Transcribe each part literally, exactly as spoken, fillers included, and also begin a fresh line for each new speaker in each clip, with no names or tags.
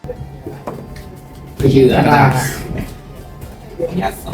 ไม่เชื่อนะยัดสอง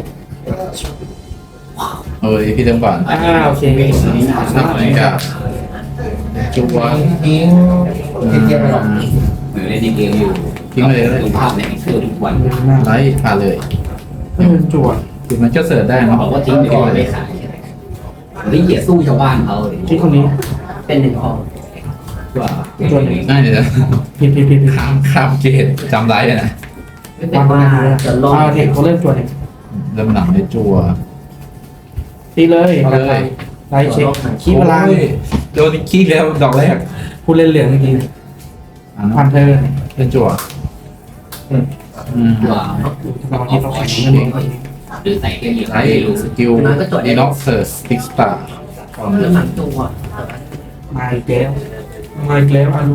เอ้ยพี่เติมก่อน
อ่าโอเค
นับเหมือนกับจุ๊บวะ
ทิ้งเทียบไปหรอก
เหมือนเล่นดีเกมอยู่
ทิ้งไปเลย
ดูภาพในเสื้อทุกวัน
ไลท์ผ่านเลย
เออจวด
คือมันก็เสิร์ชได้
เขา
เนาะ
บอกว่าทิ้งเดี๋ยวไม่ขายหรือเหยียดสู้ชาวบ้านเขาเลย
ที่คนนี้
เป็นหนึ่งห้องว่า
ง่ายเลยนะ
ผิดผิดผิดผิด
ข้ามข้ามเกตจำไลท์เลยนะ
วันวันจะลงเอาเด็กเขาเริ่มจวดเนี่ย
เริ่มหนังในจัว
ตีเลย
เอาเลย
ไล่เช็คขี้พลัง
โอ้ยโดนขี้แล้วดอกแรก
ผู้เล่นเหลืองเมื่อกี้
อ่ะ
พัน
เนาะ
เธอ
เป็นจัวอืม
ว่า
เราที่เราแข่งนั่นเอง
หรือใส่แค่เหยียด
ไลท์สกิลดีน็อกเซอร์สติ๊กสตาร์
เรื่องหลังตัว
มาอีกแล้วมาอีกแล้วอารุ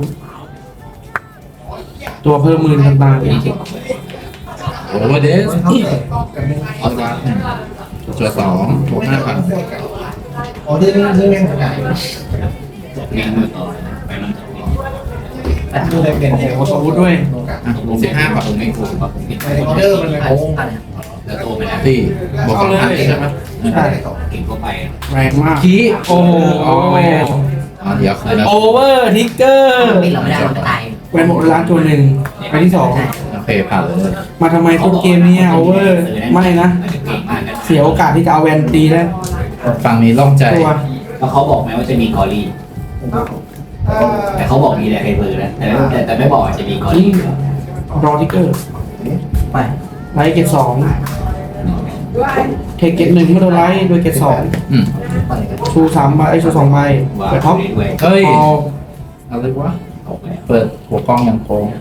ตัวเพิ่มหมื่นพันบาทเอง
โอเวอร์เดสออสวาร์จัวสองบวกห้าพัน
อ๋อที่นี่ที่แม่งขนาด
งานมือต่อไปมัน
ที่ได้เป็น
โอ้โหสวุฒิด้วย
อ่ะบวกสิบห้าพัน
ผมไม่ถูกกับผมนี่
ออเดอร์มันเลย
ผ่าน
โอ้
ผ่าน
แล้วโตไปแล้ว
ตีบวกสองพันใช่ไหม
ใช่
เก่งก็ไป
แรงมาก
ขี้
โอ้โห
อ๋อเดี๋ยวคืนนะ
โอเวอร์ทิกเกอร์
ปิดเราไม่ได้เราจะตาย
แวนหมดร้านตัวหนึ่งไปที่สอง
โอเคผ่านเลย
มาทำไมต้นเกมเนี่ยโอเวอร์ไม่นะ
เก่งมากนะ
เสียโอกาสที่จะเอาแวนตีได้
ฝั่งนี้ล่องใจ
ตัว
แล้วเขาบอกไหมว่าจะมีกอรี่แต่เขาบอกมีแหละใครเบอร์นะแต่แต่แต่ไม่บอกว่าจะมีกอรี่
รอทิกเกอร์
ไป
ไลท์เกตสองเทคเกตหนึ่งเมื่อโดนไลท์โดยเกตสอง
อืม
ปล่อยกัน
ชูสามใบไอ้ชูสองใบ
ว่า
เปิดท็อป
ด้วย
เฮ้ย
เอา
อะไรวะ
ตกเลย
เปิดหัวกล้องอย่างโค้ง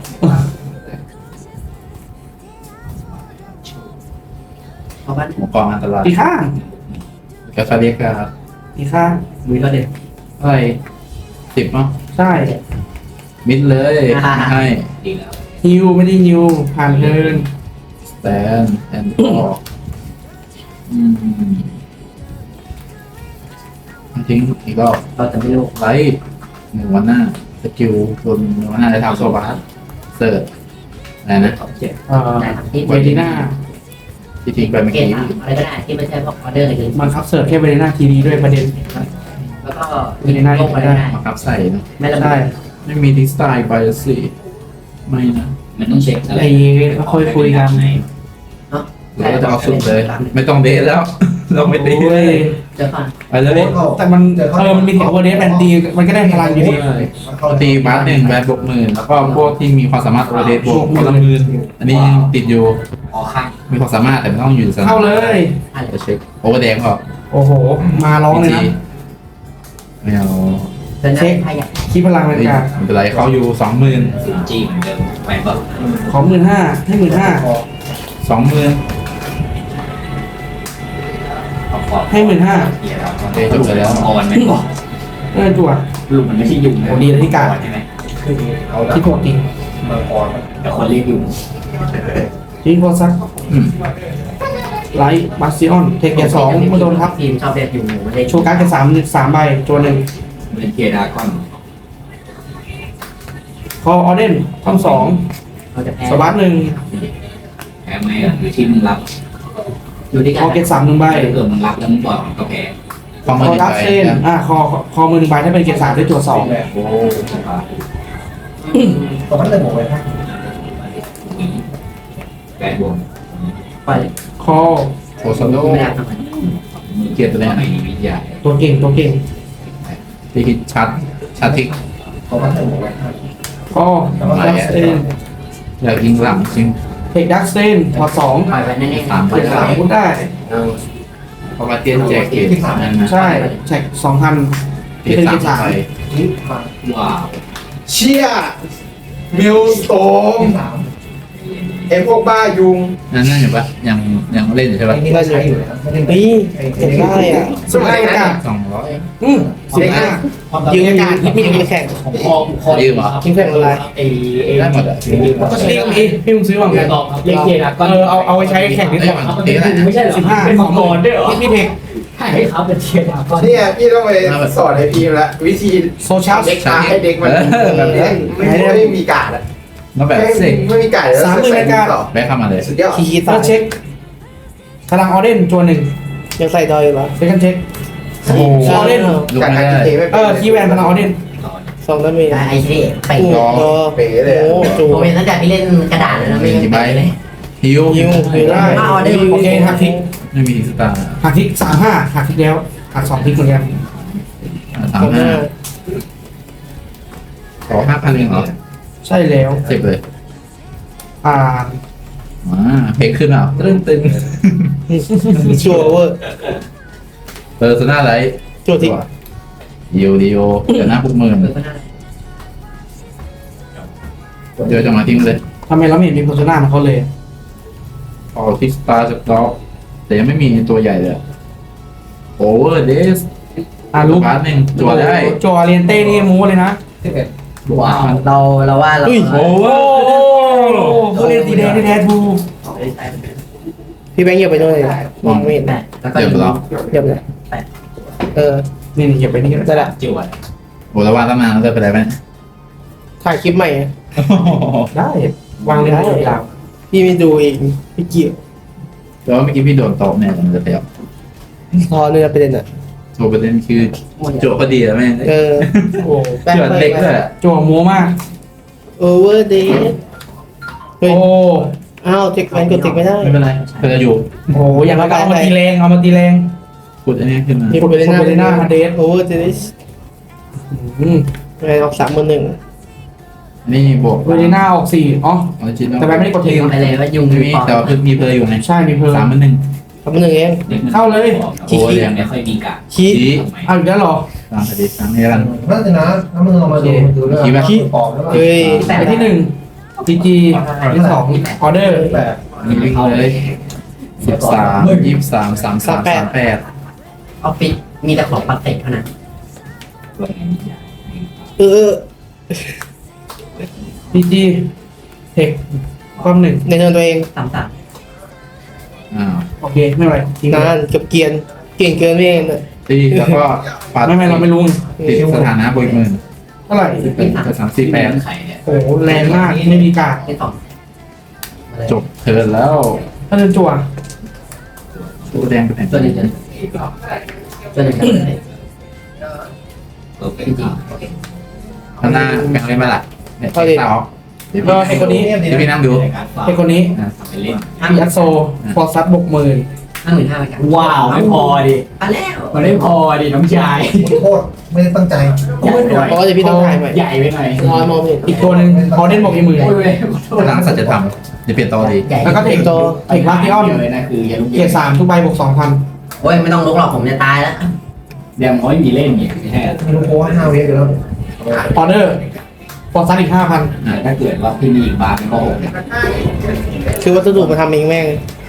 เพราะว่า
หัวกล้องอันตราย
ตีข้าง
กาซาเรียกา
ตีข้าง
มีก็เด็ด
อะไรสิบเนาะ
ใช่
มิดเลยไม่ให้
ดีแล้ว
ฮิวไม่ได้ฮิวผ่านเทิร์น
สแตนแอนด์ออกอืมทิ้งอีกรอบ
เราจะไม่รู้
ไลท์หนึ่งวันหน้าสกิลโดนหนึ่งวันหน้าได้ทำโซบาสเสิร์ชอะไรนะ
ขอบเจ็บ
เอ่อ
ได้ทั้งที่
เวดีน่า
ที่ทิ้งไปเมื่อ
เก
กี้
มอะไรก็ได้ที่ไม่ใช่พวกออเดอร์อะไรเลย
มันคับเสิร์ฟแค่เวดีน่าทีดีด้วยประเด็น
แล้วก็
เวดีน่า
ลงไปได้
มาครับใส่เนอะ
ไม่ระเบิ
ใช่
ด
ไม่มีดิสไตล์ไปสิไม่นะ
มันต้องเช็คอะไร
ไอ้แล้วค่อยคุยกัน
เนาะ
เราก็จะเอาสุดเลย ไม่ต้องเดทแล้ว เราไม่ตี
โอ้ย
เจอก่อน
ไปเลย
แต่มันเออมันมีแถวโอเวอร์เดสแบนตีมันก็ได้พลังอยู่ดี
ตีบาสหนึ่งแบนบวกหมื่นแล้วก็พวกที่มีความสามารถโอเดทบวกคนละหมื่นอันนี้ยังติดอยู่
ออกข้าง
มีความสามารถแต่ไม่ต้องอยู่ในสนาม
เข้าเลย
ผ่านเล
จะ
ย
เช็คโอเวอร์แดงก็
โอ้โห มาร้องเลยนะ
ไม่เอา
เดินหน้าพายา
คีพลังบรร
ไม่
ยากาศ
เป็นไรเขาอยู่สองหมื่น
ศูนย์จีเหมือนเดิมไปแบบ
ขอหมื่นห้าให้หมื่นห้า
สองหมื่น
ขอบขอบ
ให้หมื่นห้า
เกียร์เราออนไหมบอก
เออจั่ว
ลูกมันไม่ใช่ยุงใช่ไหม
ที่ถูกจริง
มังกร
แต่คนเรียกยุง
จริงโคซัก
อืม
ไลท์บาสซิออนเทคเกตสองเมื่อโดนทับ
ทีมชอบเด็ดอยู่หมูไม่ได้
โชว์การ์ดเกตสามสามใบตัวหนึ่ง
เป็นเกียร์ดาก้อน
คอออเดนท่อนสอง
เราจะแพ้
สวัสดหนึ่ง
แพ้ไหมหรือที่มึงรับ
อยู่ที่
ค
กั
อน เกตสามหนึ่งใบ
ถ้าเกิดมึงรับแล้วมึงปล่อยมันก็แพ้
ความ
ค
มื
อ
อ
ดับ
ไป
เซนอ่าคอคอมือหนึ่งใบถ้าเป็นเกตสามได้ตัวสอง
โอ้
ตอนนั้นเลยบอกไว้ครับ
แปดบวก
ปล่อย
คอ
โอซาโด
ไม่ได้ทำไม
มือเกียร์ตัวนี้ไม่มีวิทยา
ตัวเก่งตัวเก่ง
ที่ฮิตชัดชัดทิก
ตอนนั้นเลยบอกไว้ครับ
คอดับเซน
อยากยิงหลังจริง
เทคดักเซนถอดสอง
ปล่อยไปแน่ๆ
สาม
เกตสามพูดได้
เพราะว่าเตียนแจกเกตนั่นนะ
ใช่แท็กสองพัน
เกตสามไป
นี่มา
ว้าว
เชี่ยมิวสโตมไอ้พวกบ้ายุง
นั่นนั่นอยู่ปะยังยังเล่นอยู่ใช่ปะ
ไอ้นี่ก็ใช้อยู่นะครับไม่ได้
ปีเห็นได้อ่ะสมัยอากาศ
สองร้อย
อืมสิบห้ายืนอากาศที่พี่จะแข่ง
ของคอคอ
ยืมเหรอ
คิงแข่งอะไร
ไอ้ไอ้
ได้หมดอ่ะ
ก็ตีกับพี่พี่มึงซื้อมาเหมือนกัน
เล่นเกียร์ดาก้อน
เออเอาเอาไว้ใช้แข่งที่แข่ง
ไม่ใช่เหรอ
สิบห้า
เป็นมังกรด้วยเหรอ
พี่พี่เทค
ให้เขาเป็นเกียร์ดาก้อน
เนี่ยพี่ต้องไปสอนให้พีมละวิธี
โซเชียล
เด็กตาให้เด็กมันแบบนี้ไม่ไม่มีการ์ดอ่ะ
แล้วแบบเสก
ไม่มีไก่แล้ว
สามหมื่นรายการ
ต่อ
แบกเข้ามาเลย
สุดยอด
คีคี
เฟิ
ตา
ร์สเช็คพลังออเดนจวนหนึ่ง
ยังใส่ดอยอยู่เหรอ
เซคันด์เช็ค
โอ้โห
ออเดน
ลุก
จาก
ไม่
การ
ได้
กินเทไม่
เออคีย์แวนพลังออเดน
สองดาเมจ
ไอ้ที่ไป
โอ้โห
เป๋เลย
โอ้จู
ผมเป็นตั้งแต่พี่เล่นกระดาษแล้วไม่
กี่ใบ
เลย
ฮิว
ยิวยิวได้
มาออเดอร์
โอเคหักทิก
ไม่มีสตาร์
หักทิกสามห้าหักทิกแล้วหักสองทิกเหมือนกัน
สามห้าขอห้าพันเองเหรอ
ใช่แล้ว
เจ็บเลย
อ่า
อ่าเพลงขึ้นอ่ะตึ้งตึง
ชัวร์เวอร์
เปอร์โซน่าไลท์
ชัวร์ที่
ดีโอดีโอเดี๋ยวหน้าพวกหมื่นเดี๋ยวจะมาทิ้งเลย
ทำไมเราไม่เห็นมีโฆษณาของเขาเลย
ออกทิกสตาร์สต็อกแต่ยังไม่มีตัวใหญ่เลยโอเวอร์เดส
อ่ารู้
พาร์ทหนึ่งตัวได้
จัวเรียนเต้นี่มูเลยนะ
ว้าวเราเราว่าเรา
โอเวอร์
ผู้เล่นสีแดงที่แท้ทู
พี่แบงค์เหยียบไปด้วยมองไม่เห็น
แปดแล้วก็
เดี๋ยวเรา
เหยียบเลยเออ
นี่นี่อย่าไปนี่ก็
ได้
ได้
ละ
จิ๋วอะ
โอ้แล้วว่าตั้งนานแล้วจะเป็นไรไหม
ถ่ายคลิปใหม่
ได้วางเลยได้ยาว
พี่ไม่ดูเองพี่เกี่ยว
แต่ว่าเมื่อกี้พี่โดนโต๊ะเนี่ยมันจะเปรี้ยว
พอเนื้อประเด็นอ่ะ
โชว์ประเด็นคือโจพอดีแล้วแม่
เออ
โอ้
เจือเล็กด้วยอะ
จัวมัวมาก
โอเวอร์เดย์เฮ้ย
โอ้
อ้าวเทคแวนกดเทคไม่ได้
ไม่เป็นไรเธอจะอยู่
โหอย่างเราก็เอามาตีแรงเอามาตีแรง
ขุดอันนี้ขึ้นมา
มีโปรเบเลน่า
โปรเบเลน่าฮันเดส
โอเวอร์เดย์
อืม
แวนออกสามหมื่นหนึ่ง
อันนี่บวก
โปรเบเลน่าออกสี่อ๋อ
ออริจินอล
แต่แบบไม่ได้กดเท
ลื
ค
มไปเลยว่ายุง
ไม่มีแต่ว่าคือมีเพลย์อยู่ไง
ใช่มีเพลิง
สามมันหนึ่ง
สามหมื่นหนึ่งเอง
เข้าเลย
โอ้ยยัง
ไม่ค่อยมีกะ
คี
ชี้
เอาอีกแล้วเหรอ
ตามคดีตามนี้กัน
นั่นสินะถ้ามึงลองมาดูดูเรื่อง
คิดว่า
ปอกแล้ว
เฮ้ย
ไปที่หนึ่งพีจีที่สองออเดอร์
แบบ
มีวิ่งเลยสิบสามยี่สิบสามสามสามสามแปด
ออฟฟิศมีแต่ของปักเตกเท่านั้น
เออ
พีจีเทคความหนึ่ง
ในเทิร์นตัวเอง
สามสาม
อ้าว
โอเคไม่เป็นไรทิ้ง
นานกับเกียนเก่งเกินไม่เองน่ะ
ตีแล้วก็ปัด
ไม่ไม่เราไม่รู้
ติดสถานะบวกหมื่น
เท่าไหร่
เป็นสามสี่แปด
ไข่เนี่ย
โอ้โหแรงมากไม่มีการ
ที่สอง
จบเทิร์นแล้ว
ถ้าเดินจั่ว
ตัวแดงเป็นแผ่น
ตัวหนึ่งตัวหนึ่งกันเลย
เออเป็น
จริง
จริง
โอเค
ข้างหน้าแบ่งเล่นมาละเนี่ยเต่าเดี๋ยว
ก็ไอคนนี้
เดี๋ยวพี่นั่งดู
ไอคนนี้
อ่ะ
ทำไปเล่น
ห้าหมื่น
ยัดโซฟอร์ซัสบกหมื่น
ห้าหมื่นห้าไปกัน
ว้าวไม่พอดิ
อ่ะแล้ว
มันไม่พอดิน้องชาย
โคตรไม่ได้ตั้งใจ
ใหญ่ไปหน่อย
เพราะว่าเดี๋ยวพี่ต้องถ่ายใหม่
ใหญ่ไปหน่อย
มองมองไม่เห็น
อีกตัวหนึ่งออเดนบอกอีกหมื่น
โอ้ย
หลังสัจธรรมเดี๋ยวเปลี่ยนตัวดี
ใหญ่
แล้วก็เทคโตเทคลักที่อ้อม
เลยนะคืออย่าลุก
เกียร์สามทุกใบบวกสองพัน
โอ้ยไม่ต้องลุกหรอกผมจะตายแล้ว
เดี๋ยวเขาไม่มีเล่นเนี่ยไม่ใช่เหรอ
ไม่รู้โค้ว่าห้าเวฟอยู่แล้ว
ออเดอร์ฟอร์ซัสอีกห้าพัน
แต่ถ้าเกิดว่าพี่มีอีกบาร์เป็นก็หกเนี่ย
คือวัสดุมาทำเองแม่ง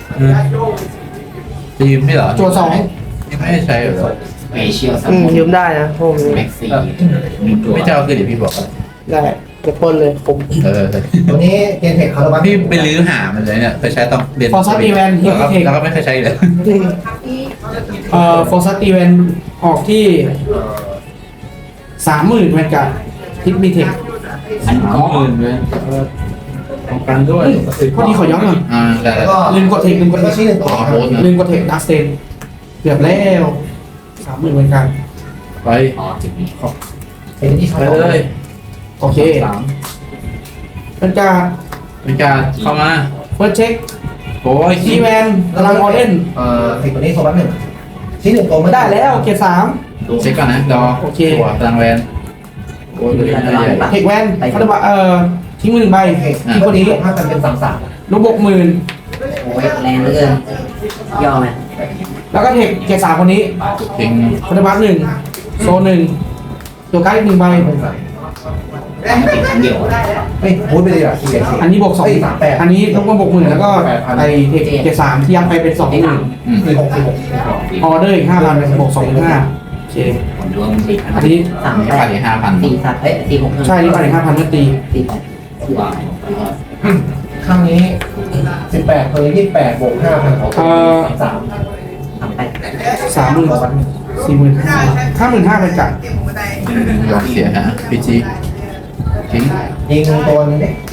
จะยืมไม่เหรอ
จั่วสอง
ไม่ได้ใช้เหรอ
สเปเชียลซัม
อืม
มอน
ยืมได้นะผม
แม็กซี่มีตัว
ไม่เจ้าคือเดี๋ยวพี่บอก
ได้จะพ่นเลยผม
เออ
ตัวนี้เกนเทคคาร์บัน
พี่ไปลื้อหามันเลยเนี่ยเคยใช้ต้องเรียน
ฟอร์ซัสอีเวนที่
แล้วก็
เทค
แล้วก็ไม่เคยใช้เลย
เอ่อฟอร์ซัสอีเวนออกที่สามหมื่นแวนการ์ดทิปมีเทค
อัน
สาม
ก็
หมื่นเลยป้องกันด้วย
พอดีขอย้อนหน่อย
อ่าได้
แล้ว
แล้ว
ก็
ลืมกดเทคลืมกด
แล้ว
เท
ก็
ค
ชี้หนึ่งตัว
อ๋อโพสต์นะ
ลืมกดเทคดักสเตนเกือบแล้วสามหมื่นแวนการ์ด
ไป
อ๋อจุดนี้
เห็นที่
ไปเลย
โอเค
สาม
แวนการ์ด
เป็นการเข้ามา
เฟิร์สเช็ค
โอ้ย
คีย์แวนพลังออเดน
เอ่อสิบตัวนี้โซบัสหนึ่งชี้หนึ่งตัว
ไม่ได้แล้วเกียร์สาม
เช็คก่อนนะดอ
โอเค
ตัวพลังแวนโอ้ยตัวนี้น่าใหญ่
เทคแวนเขาจะบอกเอ่อทิ้งมือหนึ่งใบ
เทคที่คนนี้ถ้ามันเป็นสามสาม
ลูกบกหมื่น
โอ้ยแรงเหลือเกินยอมไหม
แล้วก็เทคเกียร์สามคนนี้
ทิ้ง
คาร์บัสหนึ่งโซนหนึ่งตัวใกล้หนึ่งใบ
ติดครั้งเดียว
เฮ้ยพูดไปเลยอ่ะสี่สี่
อันนี้บวกสอง
สามแปด
อันนี้ลูกบกหมื่นแล้วก็ไอเทคเกียร์สามที่ยัดไปเป็นสองหมื่น
อืม
สี่หกสี่หก
ออเดอร์อีกห้าพันบวกสองหมื่นห้าโอเค
ผมดูว่ามันติด
อันนี้
สามแป
ขา
ด
ดอีกห้าพัน
สี่สามเอ้ยสี่หก
ใช่นี่ไปอีกห้าพันเมื่อตี
สี่แปด
ว้าว
ข้างนี้สิบแปดตัวนี้ยี่สิบแปดบวกห้าพันของสาม
สามแปด
สามหมื่นสี่หมื่นห้าห้าหมื่นห้าเป็นจัด
ยอมเสียฮะพีจีทิ้ง
ยิงตัวนึงดิ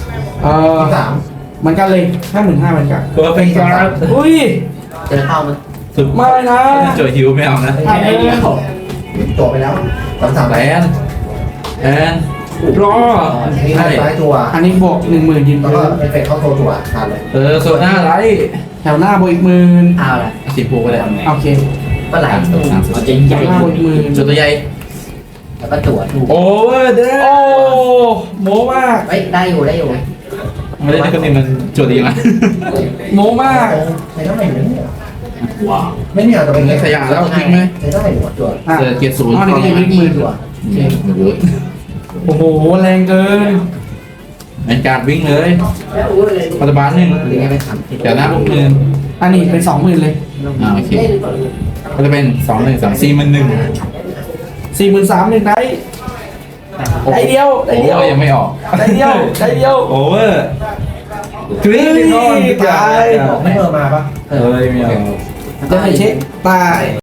เออ
สาม
เหมันกันเลยห้าหมื่นห้ามันกัน
ตัวเป็นการ์ด
อุ้ย
เจอเข้ามัน
สุด
ไม่นะ
โจยฮิวไม่เอานะ
แค่ไอเดียว
จบไปแล้วสามสาม
แลนแอน
รอ
นี่ได้ซ้ายตัว
อันนี้บวกหนึ่งหมื่นยืน
แล้ว
พื้
ก็
น
เอฟเฟกต์เข้าโซตัวทานเลย
เออโซน่าไร
แถวหน้าบวกอีกหมื่น
เอาละ
สีฟูก็ได้
โอเค
ก็ไหล
สามสามสิบ
มันจะใหญ่
หน้าบวกอีกหมื่น
จุดตัวใหญ่
แล้วก็จั่วถูก
โอเวอร์เด
โอ้โมมาก
เฮ้ยได้อยู่ได้อยู่
ไม่ได้คนนี้มันจุดดีมั้ย
โมมาก
ใช้ได้ไหมเนี่ย
ว้าว
ไม่เนี่ยแต่เป็น
ขยะแล้วทิ้งไหม
ใช้ได้หัวตัว
อ่ะ
เจอเกียร์ศูนย์
อ๋อนี่ก็ยังไม่หมื่น
จั่ว
โอ้โหแรงเกิน
เป็นการวิ่งเลยปัจจุบันหนึ่ง
หรือไงไปทำ
เดี๋ยวหน้าพวกมือ
อันนี้เป็นสองหมื่นเลย
อ่าโอเคก็จะเป็นสองหนึ่งสามสี่มันหนึ่ง
สี่หมื่นสามหนึ่งได้ได้เดียวได้
โอ้
เดียว
ยังไม่ออก
ได้เดียวได้เดียว
โอเวอร์กรี๊ด
ตาย
ไม่เพิ่มมาปะ
เออไม่เอา
จะให้เช็คตาย